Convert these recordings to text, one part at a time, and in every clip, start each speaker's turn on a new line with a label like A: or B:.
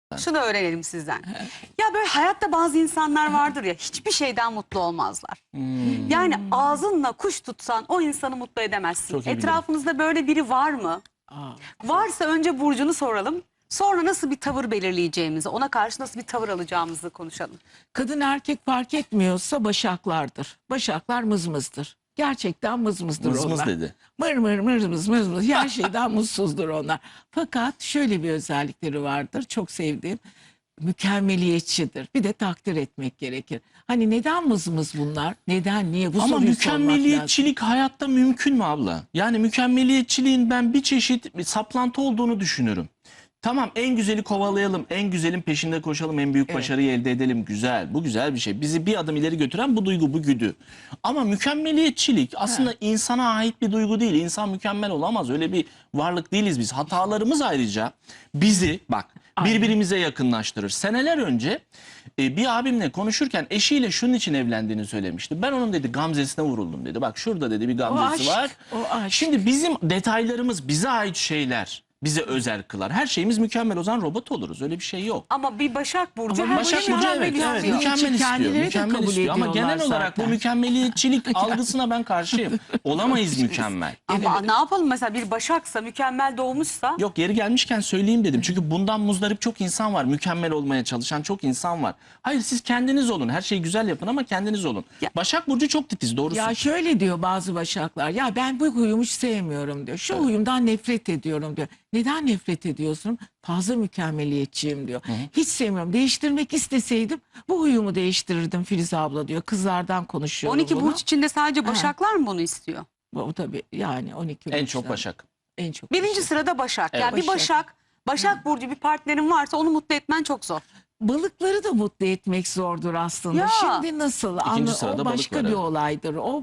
A: Şunu öğrenelim sizden. Ya böyle hayatta bazı insanlar vardır ya, hiçbir şeyden mutlu olmazlar. Yani ağzınla kuş tutsan o insanı mutlu edemezsin.
B: Çok iyi
A: Etrafınızda böyle biri var mı? Varsa önce burcunu soralım. Sonra nasıl bir tavır belirleyeceğimizi, ona karşı nasıl bir tavır alacağımızı konuşalım.
C: Kadın erkek fark etmiyorsa başaklardır. Başaklar mızmızdır. Gerçekten mızmızdır
B: Mız mız
C: onlar.
B: dedi.
C: Mır mır mır mız mız mız. Her şeyden mutsuzdur onlar. Fakat şöyle bir özellikleri vardır. Çok sevdiğim. Mükemmeliyetçidir. Bir de takdir etmek gerekir. Hani neden mızmız bunlar? Neden? Niye? Bu
B: Ama
C: soruyu sormak lazım.
B: mükemmeliyetçilik hayatta mümkün mü abla? Yani mükemmeliyetçiliğin ben bir çeşit bir saplantı olduğunu düşünürüm. Tamam, en güzeli kovalayalım, en güzelin peşinde koşalım, en büyük başarıyı elde edelim. Güzel, bu güzel bir şey. Bizi bir adım ileri götüren bu duygu, bu güdü. Ama mükemmeliyetçilik aslında insana ait bir duygu değil. İnsan mükemmel olamaz. Öyle bir varlık değiliz biz. Hatalarımız ayrıca bizi birbirimize yakınlaştırır. Seneler önce bir abimle konuşurken eşiyle şunun için evlendiğini söylemişti. Ben onun dedi gamzesine vuruldum dedi. Bak şurada dedi bir gamzesi
C: aşk,
B: var.
C: o aşk.
B: Şimdi bizim detaylarımız, bize ait şeyler bize özel kılar. Her şeyimiz mükemmel, o zaman robot oluruz. Öyle bir şey yok.
A: Ama bir Başak Burcu
C: Ama
A: her
B: Başak
A: şeyi
B: Burcu
A: mükemmel
B: evet,
A: istiyor.
B: mükemmel istiyor.
C: Kendileri de
B: Mükemmel
C: kabul
B: istiyor. Ama
C: ediyorlar
B: genel olarak bu
C: zaten.
B: mükemmeliyetçilik algısına ben karşıyım. Olamayız mükemmel.
A: Ama ne yapalım, mesela bir Başaksa, mükemmel doğmuşsa.
B: Yok, yeri gelmişken söyleyeyim dedim. Çünkü bundan muzdarip çok insan var. Mükemmel olmaya çalışan çok insan var. Hayır, siz kendiniz olun. Her şeyi güzel yapın ama kendiniz olun.
A: Ya-
B: Başak Burcu çok titiz, doğrusu.
C: Ya şöyle diyor bazı başaklar. Ya ben bu huyumu hiç sevmiyorum diyor. Şu huyumdan nefret ediyorum diyor. Neden nefret ediyorsun? Fazla mükemmeliyetçiyim diyor. Hiç sevmiyorum. Değiştirmek isteseydim bu huyumu değiştirirdim Filiz abla diyor. Kızlardan konuşuyorum
A: 12
C: bunu.
A: burç içinde sadece Başaklar mı bunu istiyor?
C: Bu tabii yani 12
B: En
C: burçlar.
B: çok Başak.
C: En çok
A: Birinci
C: Başak.
A: sırada Başak.
B: Evet.
A: Yani bir Başak Burcu bir partnerin varsa onu mutlu etmen çok zor.
C: Balıkları da mutlu etmek zordur aslında.
A: Ya.
C: Şimdi nasıl?
B: İkinci sırada
C: O
B: balık
C: başka
B: var,
C: bir
B: evet.
C: olaydır. O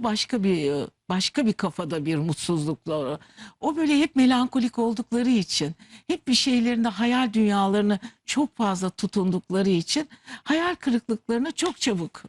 C: başka bir kafada bir mutsuzlukları. O böyle hep melankolik oldukları için, hep bir şeylerinde hayal dünyalarını çok fazla tutundukları için hayal kırıklıklarını çok çabuk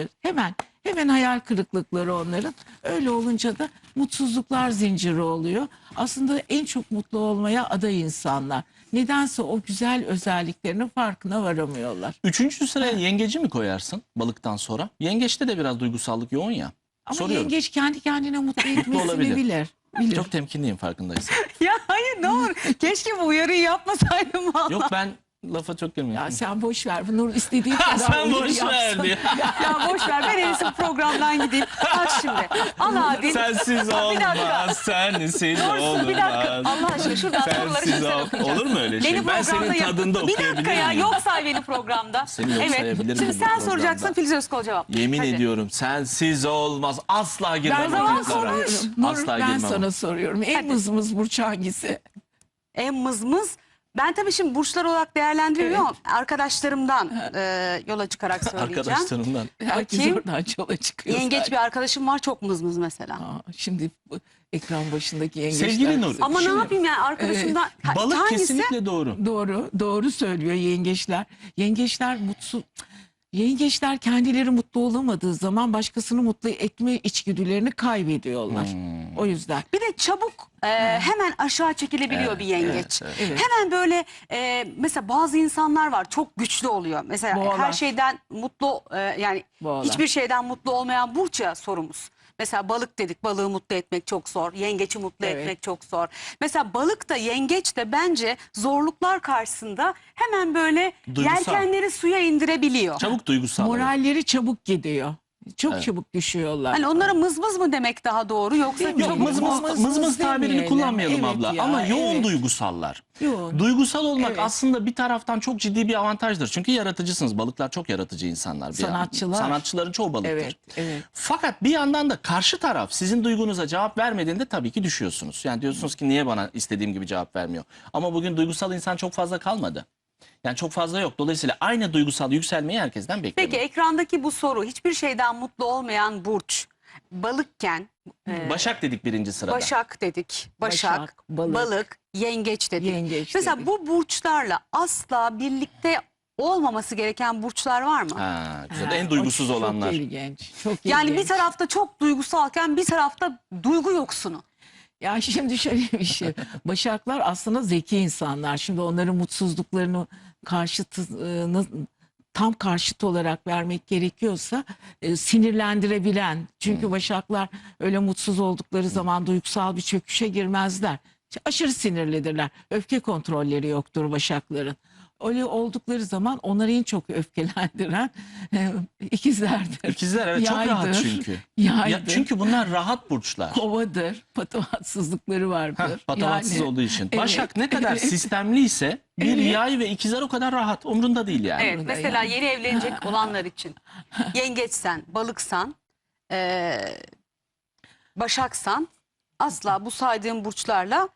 C: hemen hayal kırıklıkları onların. Öyle olunca da mutsuzluklar zinciri oluyor. Aslında en çok mutlu olmaya aday insanlar. Nedense o güzel özelliklerinin farkına varamıyorlar.
B: Üçüncü sıraya yengeci mi koyarsın balıktan sonra? Yengeçte de biraz duygusallık yoğun ya.
C: Ama
B: Soruyorum.
C: yengeç kendi kendine mutlu etmesini
B: olabilir.
C: bilir.
B: Çok temkinliyim, farkındaysan.
A: Ya hayır, ne olur. Keşke bu uyarıyı yapmasaydım valla.
B: Yok, ben lafa çok girmiyorum.
C: Ya sen boş ver. Nur istediği kadar
B: Sen
C: uyarı
B: boş ver
C: yapsın.
B: diyor.
A: Ya boş ver, ben en iyisi programdan gideyim. Bak şimdi. Al abi.
B: Sensiz
A: Bir dakika.
B: olmaz, sensiz
A: Doğrusu bir dakika.
B: olmaz.
A: Allah aşkına şuradan soruları
B: Sensiz
A: şimdi sen
B: ol.
A: okuyacaksın.
B: Olur mu öyle şey?
A: Beni
B: Ben
A: programda
B: senin tadında
A: Bir dakika
B: okuyabilir
A: ya,
B: miyim?
A: yok say beni programda.
B: Seni yok sayabilir
A: Şimdi
B: miyim bu
A: sen
B: programda?
A: soracaksın, Filiz Özkol cevap.
B: Yemin
A: Hadi.
B: ediyorum sensiz olmaz. Asla girmem
C: Ben
B: o
C: sana
B: kızlara.
C: soruyorum. Nur,
B: Asla
C: ben
B: girmem.
C: sana soruyorum. En
A: Hadi.
C: mızmız burç hangisi?
A: En mızmız. Ben tabii şimdi burçlar olarak değerlendiriyorum ama arkadaşlarımdan yola çıkarak söyleyeceğim.
B: Arkadaşlarımdan.
C: Herkes
A: Bakayım.
C: oradan yola çıkıyor.
A: Yengeç
C: zaten.
A: bir arkadaşım var, çok mızmız mesela.
C: Şimdi bu ekran başındaki yengeçler.
B: Sevgili Nur,
A: Ama
C: Şimdi-
A: ne yapayım yani arkadaşımdan.
B: Balık
A: Hangisi?
B: kesinlikle doğru.
C: Doğru söylüyor yengeçler. Yengeçler mutsuz. Yengeçler kendileri mutlu olamadığı zaman başkasını mutlu etme içgüdülerini kaybediyorlar. O yüzden.
A: Bir de çabuk hemen aşağı çekilebiliyor
B: Evet,
A: bir yengeç.
C: evet.
A: Hemen böyle mesela bazı insanlar var, çok güçlü oluyor. Mesela
C: Boğalar.
A: her şeyden mutlu yani
C: Boğalar.
A: hiçbir şeyden mutlu olmayan burç ya sorumuz. Mesela balık dedik, balığı mutlu etmek çok zor. Yengeci mutlu
C: Evet.
A: etmek çok zor. Mesela balık da yengeç de bence zorluklar karşısında hemen böyle
B: Duygusal.
A: yelkenleri suya indirebiliyor.
B: Çabuk duygusal. evet.
C: Moralleri çabuk gidiyor. Çok
B: Evet.
C: çabuk düşüyorlar.
A: Hani onlara mızmız mı demek daha doğru, yoksa
C: Değil mi?
B: Yok,
A: çabuk
B: mız
A: mu?
B: mız tabirini
C: demeyelim.
B: kullanmayalım
C: Evet
B: abla.
C: ya,
B: Ama yoğun
C: evet.
B: duygusallar.
C: Yoğun.
B: Duygusal olmak
C: Evet.
B: aslında bir taraftan çok ciddi bir avantajdır. Çünkü yaratıcısınız. Balıklar çok yaratıcı insanlar.
C: Sanatçılar.
B: Sanatçıların çoğu balıktır.
C: Evet.
B: Fakat bir yandan da karşı taraf sizin duygunuza cevap vermediğinde tabii ki düşüyorsunuz. Yani diyorsunuz ki niye bana istediğim gibi cevap vermiyor? Ama bugün duygusal insan çok fazla kalmadı. Yani çok fazla yok. Dolayısıyla aynı duygusal yükselmeyi herkesten bekliyorum.
A: Peki ekrandaki bu soru, hiçbir şeyden mutlu olmayan burç, balıkken
B: Başak dedik birinci sırada.
A: Başak dedik, Başak,
C: Başak, balık.
A: balık, yengeç dedik.
C: Yengeç
A: Mesela
C: dedik.
A: bu burçlarla asla birlikte olmaması gereken burçlar var mı?
B: Ha, güzel.
C: Ha,
B: En duygusuz
C: o
B: olanlar.
C: Çok ilginç. Çok
A: Yani
C: ilginç.
A: bir tarafta çok duygusalken bir tarafta duygu yoksunu.
C: Ya şimdi şöyle bir şey. Başaklar aslında zeki insanlar. Şimdi onların mutsuzluklarını karşıtını tam karşıt olarak vermek gerekiyorsa sinirlendirebilen. Çünkü Başaklar öyle mutsuz oldukları zaman duygusal bir çöküşe girmezler. Aşırı sinirlidirler. Öfke kontrolleri yoktur Başakların. Öyle oldukları zaman onları en çok öfkelendiren ikizlerdir.
B: İkizler evet çok rahat
C: Yaydır,
B: çünkü.
C: Yaydır.
B: Çünkü bunlar rahat burçlar.
C: Kovadır. Patavatsızlıkları vardır.
B: Patavatsız olduğu için.
C: Evet,
B: Başak ne kadar
C: evet.
B: sistemli ise bir
C: Evet.
B: yay ve ikizler o kadar rahat. Umrunda değil yani.
A: Evet,
C: Burada
A: mesela
C: yani.
A: yeni evlenecek olanlar için yengeçsen, balıksan, başaksan asla bu saydığım burçlarla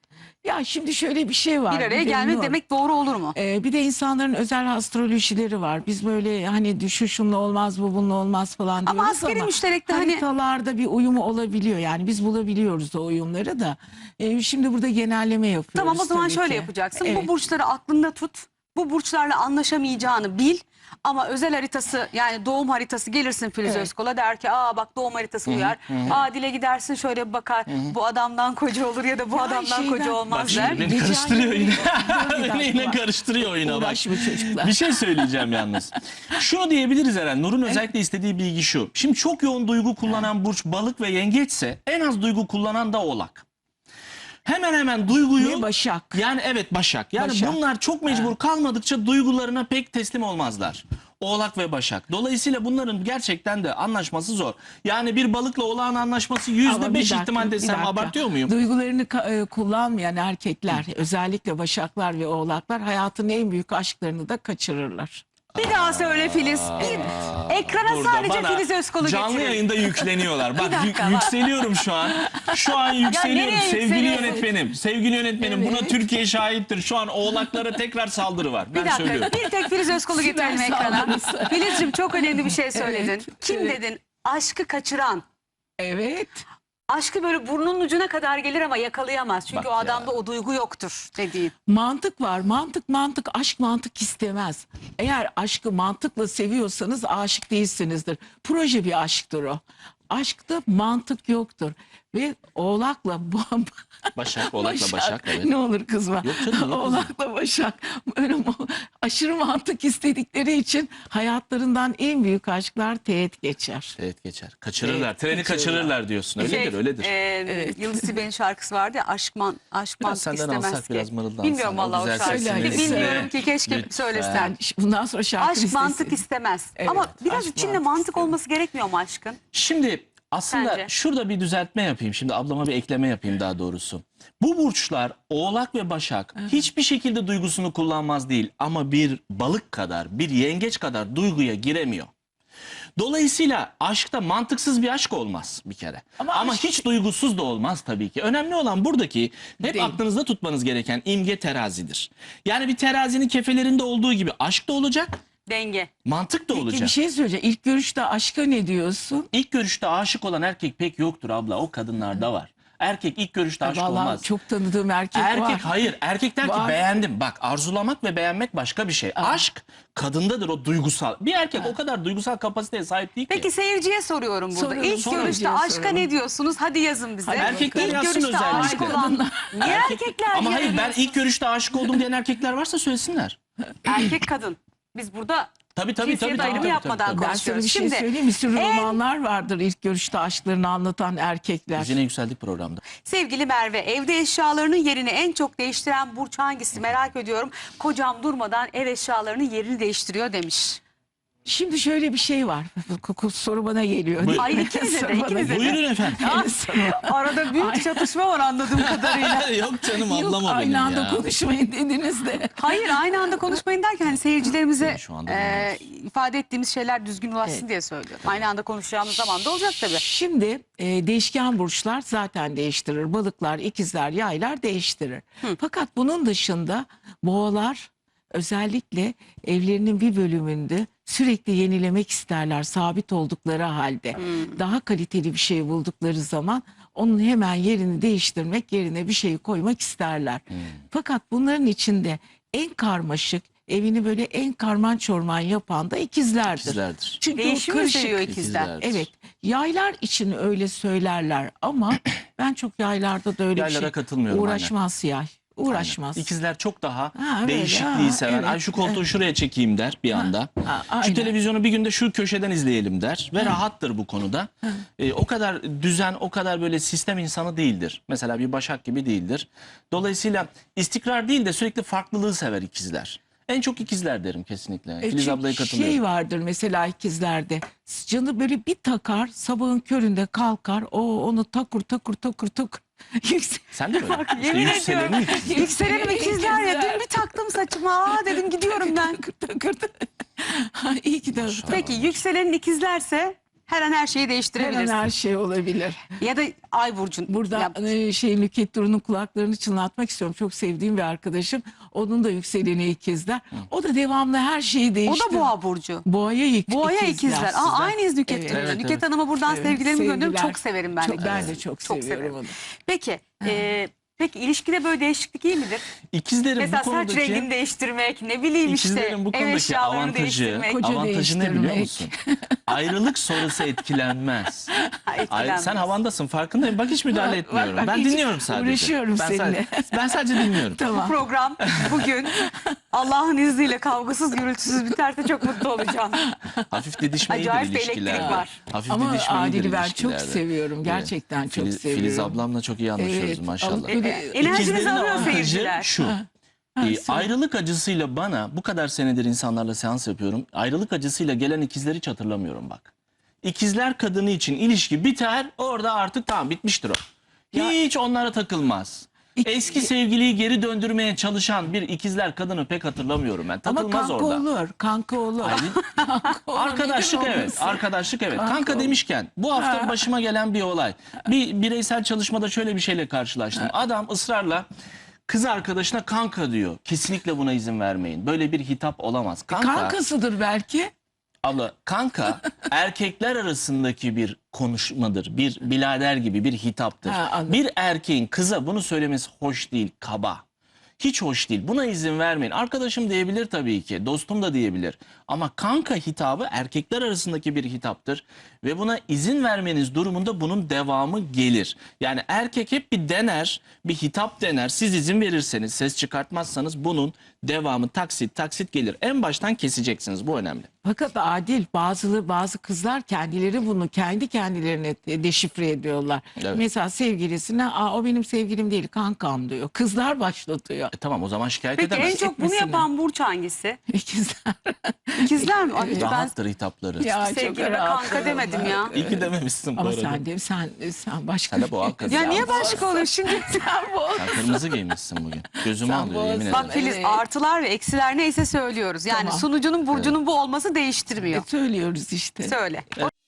C: Ya şimdi şöyle bir şey var.
A: bir araya
C: de
A: gelmek
C: Nur,
A: demek doğru olur mu?
C: bir de insanların özel astrolojileri var. Biz böyle hani şu şunla olmaz bu bununla olmaz falan
A: Ama
C: diyoruz
A: askeri
C: ama
A: müşterekte hani
C: haritalarda bir uyumu olabiliyor. Yani biz bulabiliyoruz o uyumları da. Şimdi burada genelleme yapıyoruz.
A: tamam, o zaman
C: tabii
A: şöyle
C: ki.
A: yapacaksın.
C: Evet.
A: Bu burçları aklında tut. Bu burçlarla anlaşamayacağını bil. Ama özel haritası, yani doğum haritası, gelirsin Filiz
C: Evet.
A: Özkol'a, der ki aa bak doğum haritası uyar. Aa dile gidersin şöyle bir bakar. Bu adamdan koca olur ya da bu
C: Ya
A: adamdan
C: şeyden-
A: koca
B: Bak
A: olmaz
B: şimdi
A: der.
B: beni
C: Rica
B: karıştırıyor
C: ederim.
B: yine. Beni yine karıştırıyor oyuna bak.
C: Uğraşma çocuklar.
B: Bir şey söyleyeceğim yalnız. Şunu diyebiliriz Eren. Nur'un özellikle istediği bilgi şu. Şimdi çok yoğun duygu kullanan burç balık ve yengeçse en az duygu kullanan da oğlak. Hemen hemen duyguyu...
C: Ve Başak.
B: Yani evet Başak. Yani
C: Başak.
B: bunlar çok mecbur kalmadıkça duygularına pek teslim olmazlar. Oğlak ve Başak. Dolayısıyla bunların gerçekten de anlaşması zor. Yani bir balıkla oğlağın anlaşması
C: Ama bir
B: %5
C: dakika,
B: ihtimal
C: bir
B: desem
C: dakika.
B: abartıyor muyum?
C: Duygularını kullanmayan erkekler, özellikle Başaklar ve Oğlaklar hayatın en büyük aşklarını da kaçırırlar.
A: Bir daha söyle Filiz. Ekrana
B: Burada
A: sadece
B: bana
A: Filiz Özkol'u
B: canlı
A: getirin.
B: yayında yükleniyorlar. Bak
A: dakika, bak.
B: yükseliyorum şu an. Şu an yükseliyorum
A: nereye
B: sevgili
A: yükseliyorsun?
B: yönetmenim. Sevgili yönetmenim
C: Evet.
B: buna Türkiye şahittir. Şu an oğlaklara tekrar saldırı var.
A: Bir
B: Ben
A: dakika,
B: söylüyorum.
A: bir tek Filiz Özkol'u getirelim
C: Süper
A: ekrana.
C: saldırısı.
A: Filizciğim çok önemli bir şey söyledin.
C: Evet,
A: Kim
C: evet.
A: dedin? Aşkı kaçıran.
C: Evet.
A: Aşkı böyle burnunun ucuna kadar gelir ama yakalayamaz. Çünkü
B: Bak
A: o
B: ya.
A: adamda o duygu yoktur dediğin.
C: Mantık var. Mantık. Aşk mantık istemez. Eğer aşkı mantıkla seviyorsanız aşık değilsinizdir. Proje bir aşktır o. Aşkta mantık yoktur. Ve Oğlak'la
B: Başak, Oğlak'la Başak. Evet.
C: Ne olur kızma.
B: Yok canım, niye kızayım?
C: Oğlak'la Başak böyle aşırı mantık istedikleri için hayatlarından en büyük aşklar teğet geçer.
B: Evet geçer. Kaçırırlar.
C: Evet,
B: Treni
C: kaçırırlar.
B: kaçırırlar diyorsun. Öyledir, öyledir.
C: Evet.
A: Yıldız Tilbe'nin şarkısı vardı ya, aşk
B: Biraz
A: mantık
B: senden
A: istemez
B: alsak
A: ki.
B: biraz mırıldansan.
A: Bilmiyorum vallahi o
B: güzel
A: şarkıyı.
C: sesini
A: Bilmiyorum
B: iste.
A: ki, keşke
B: Lütfen.
A: söylesen.
C: Bundan sonra şarkı
A: Aşk
C: listesi.
A: mantık istemez.
C: Evet,
A: Ama biraz
C: aşk
A: içinde
C: mantık
A: mantık
C: istemez.
A: olması gerekmiyor mu aşkın?
B: Şimdi aslında
A: Sence?
B: şurada bir düzeltme yapayım. Şimdi ablama bir ekleme yapayım daha doğrusu. Bu burçlar Oğlak ve Başak hiçbir şekilde duygusunu kullanmaz değil. Ama bir balık kadar, bir yengeç kadar duyguya giremiyor. Dolayısıyla aşkta mantıksız bir aşk olmaz bir kere. Ama
C: aşk-
B: hiç duygusuz da olmaz tabii ki. Önemli olan buradaki hep
C: Değil.
B: aklınızda tutmanız gereken imge terazidir. Yani bir terazinin kefelerinde olduğu gibi aşk da olacak,
A: Denge.
B: mantık da
C: Peki
B: olacak.
C: bir şey söyleyeceğim. İlk görüşte aşka ne diyorsun?
B: İlk görüşte aşık olan erkek pek yoktur abla. O kadınlarda var. Erkek ilk görüşte aşık
C: Vallahi
B: olmaz.
C: çok tanıdığım erkek var.
B: Erkek hayır. Erkek der ki
C: Var.
B: beğendim. Bak arzulamak ve beğenmek başka bir şey. Aşk kadındadır, o duygusal. Bir erkek o kadar duygusal kapasiteye sahip değil ki.
A: Peki seyirciye soruyorum burada.
C: Soralım,
A: İlk
C: soralım.
A: görüşte aşka
C: Soralım.
A: ne diyorsunuz? Hadi yazın bize.
C: Hadi
B: Erkekler
A: İlk
B: yazsın
A: görüşte aşık
B: özellikle.
A: olan. Niye erkekler
B: Ama hayır, ben
A: yarıyorsunuz?
B: ilk görüşte aşık oldum diyen erkekler varsa söylesinler.
A: Erkek kadın. Biz burada
B: Tabii
A: cinsiyet ayrımı yapmadan
C: Ben sana
A: konuşuyoruz.
C: bir şey
A: Şimdi
C: söyleyeyim. Bir sürü romanlar vardır ilk görüşte aşklarını anlatan erkekler.
B: Biz yine yükseldik programda.
A: sevgili Merve, evde eşyalarının yerini en çok değiştiren burç hangisi merak ediyorum. Kocam durmadan ev eşyalarının yerini değiştiriyor demiş.
C: Şimdi şöyle bir şey var. Soru bana geliyor.
B: Buyurun.
A: Ay ikinize de,
C: Soru bana
A: ikinize de.
C: geliyor.
B: Buyurun efendim.
A: Arada büyük çatışma var anladığım kadarıyla.
B: Yok canım,
C: Yok,
B: ablam o benim
C: aynı anda
B: ya.
C: konuşmayın dediniz de.
A: Hayır, aynı anda konuşmayın derken hani seyircilerimize
B: Şu anda dinliyoruz.
A: ifade ettiğimiz şeyler düzgün ulaşsın
C: Evet.
A: diye söylüyorum. Aynı anda konuşacağımız zaman da olacak tabii.
C: Şimdi değişken burçlar zaten değiştirir. Balıklar, ikizler, yaylar değiştirir. Fakat bunun dışında boğalar özellikle evlerinin bir bölümünde sürekli yenilemek isterler sabit oldukları halde. Daha kaliteli bir şey buldukları zaman onun hemen yerini değiştirmek, yerine bir şeyi koymak isterler. Fakat bunların içinde en karmaşık, evini böyle en karman çorman yapan da ikizlerdir.
B: İkizlerdir.
C: Çünkü o
A: Değişimi
C: karışık.
A: seviyor ikizler.
B: İkizlerdir.
C: Evet. Yaylar için öyle söylerler ama ben çok yaylarda da öyle
B: Yaylara
C: bir şey
B: katılmıyorum,
C: uğraşmaz yay. Uğraşmaz.
B: İkizler çok daha
C: Ha, öyle.
B: değişikliği
C: Ha,
B: sever.
C: evet.
B: Ay şu koltuğu şuraya çekeyim der bir anda.
C: aynen.
B: Şu televizyonu bir günde şu köşeden izleyelim der ve rahattır bu konuda. O kadar düzen, o kadar böyle sistem insanı değildir. Mesela bir Başak gibi değildir. Dolayısıyla istikrar değil de sürekli farklılığı sever ikizler. En çok ikizler derim kesinlikle. Filiz
C: Çünkü
B: ablaya katılıyorum.
C: şey vardır mesela ikizlerde. Canı böyle bir takar, sabahın köründe kalkar. Onu takur takur takur takur.
B: Sen de böyle. İşte
A: Yemin
B: yükselenin
A: ediyorum.
B: ikiz.
A: Yükselenim ikizler ya. Dün bir taktım saçıma. Aa dedim gidiyorum ben.
C: İyi ki de.
A: Peki yükselenin ikizlerse her an her şeyi
C: Her an
A: değiştirebilirsin.
C: her şey olabilir.
A: Ya da ay burcun.
C: Burada
A: Ya,
C: Nükhet Duru'nun kulaklarını çınlatmak istiyorum. Çok sevdiğim bir arkadaşım. Onun da yükseleni ikizler. O da devamlı her şeyi
A: o
C: değiştiriyor.
A: da boğa burcu.
C: Boğaya
A: Boğaya ikizler. Aa, aynıyız Nükhet
C: Evet.
A: Hanım'la.
B: Evet,
A: Nükhet
B: evet.
A: Hanım'a buradan
C: Evet,
A: sevgilerimi gönderiyorum.
C: sevgiler.
A: Çok severim ben de.
C: Ben de çok seviyorum
A: severim.
C: onu.
A: Peki. Peki ilişkide böyle değişiklik iyi midir?
B: İkizlerin
A: Mesela
B: bu
A: saç
B: konudaki...
A: rengini değiştirmek, ne bileyim işte
B: İkizlerin bu
A: ev
B: konudaki
A: eşyalarını
B: avantajı,
A: değiştirmek.
C: Koca
B: avantajı ne biliyor
C: değiştirmek.
B: musun? Ayrılık sonrası etkilenmez.
A: Etkilenmez.
B: Sen havandasın farkındayım. Bak hiç müdahale etmiyorum.
C: bak,
B: Ben
C: hiç
B: dinliyorum sadece.
C: uğraşıyorum
B: ben
C: seninle.
B: Ben sadece dinliyorum.
A: Bu
C: Tamam.
A: program bugün Allah'ın izniyle kavgasız gürültüsüz biterse çok mutlu olacağım.
B: Hafif didişme iyidir
A: Acayip bir
B: ilişkilerde.
A: elektrik var.
B: Hafif
C: Ama
B: didişme iyidir
C: Adil'i ben çok
B: ilişkilerde.
C: seviyorum. Gerçekten çok seviyorum.
B: Filiz ablamla çok iyi anlaşıyoruz
C: Evet,
B: maşallah.
A: Enerjinizi
B: İkizlerin
A: alıyor
B: avantajı
A: seyirciler.
B: şu. Ayrılık acısıyla bana bu kadar senedir insanlarla seans yapıyorum. Ayrılık acısıyla gelen ikizleri hiç hatırlamıyorum bak. İkizler kadını için ilişki biter, orada artık tamam bitmiştir o. Hiç onlara takılmaz. Eski sevgiliyi geri döndürmeye çalışan bir ikizler kadını pek hatırlamıyorum ben.
C: Ama
B: Takılmaz
C: kanka
B: orada.
C: olur. Kanka olur. Kanka olur.
B: Arkadaşlık
C: Neden
B: evet.
C: olmasın?
B: Arkadaşlık evet.
C: Kanka
B: Kanka
C: olur.
B: demişken bu hafta başıma gelen bir olay. Bir bireysel çalışmada şöyle bir şeyle karşılaştım. Adam ısrarla kız arkadaşına kanka diyor. Kesinlikle buna izin vermeyin. Böyle bir hitap olamaz.
C: Kankasıdır belki.
B: Abla kanka erkekler arasındaki bir konuşmadır. Bir birader gibi bir hitaptır.
C: Ha, anladım.
B: Bir erkeğin kıza bunu söylemesi hoş değil, kaba. Hiç hoş değil. Buna izin vermeyin. Arkadaşım diyebilir tabii ki. Dostum da diyebilir. Ama kanka hitabı erkekler arasındaki bir hitaptır. Ve buna izin vermeniz durumunda bunun devamı gelir. Yani erkek hep bir dener, bir hitap dener. Siz izin verirseniz, ses çıkartmazsanız bunun devamı taksit taksit gelir. En baştan keseceksiniz. Bu önemli.
C: Fakat Adil bazı kızlar kendileri bunu kendi kendilerine deşifre ediyorlar.
B: Evet.
C: Mesela sevgilisine o benim sevgilim değil kankam diyor. Kızlar başlatıyor.
B: Tamam o zaman şikayet
A: Peki en
B: edemez.
A: çok bunu
C: etmesine.
A: yapan burç hangisi?
C: İkizler.
A: İkizler mi? Ay, hiç ben
B: Rahattır hitapları.
C: Ya, çok
A: sevgilime
C: rahat.
A: kanka demedim ya.
B: İyi ki dememişsin bu
C: Ama
B: arada.
C: sen başka.
B: Sen de boğa kızı.
A: Ya niye başka olur şimdi?
C: Sen
B: Sen kırmızı giymişsin bugün. Gözümü
C: Sen
B: alıyor
C: boğaz-
B: yemin ederim.
A: Bak Filiz
C: Evet.
A: artılar ve eksiler neyse söylüyoruz. Yani
C: Tamam.
A: sunucunun burcunun bu olması değiştirmiyor.
C: söylüyoruz işte.
A: Söyle.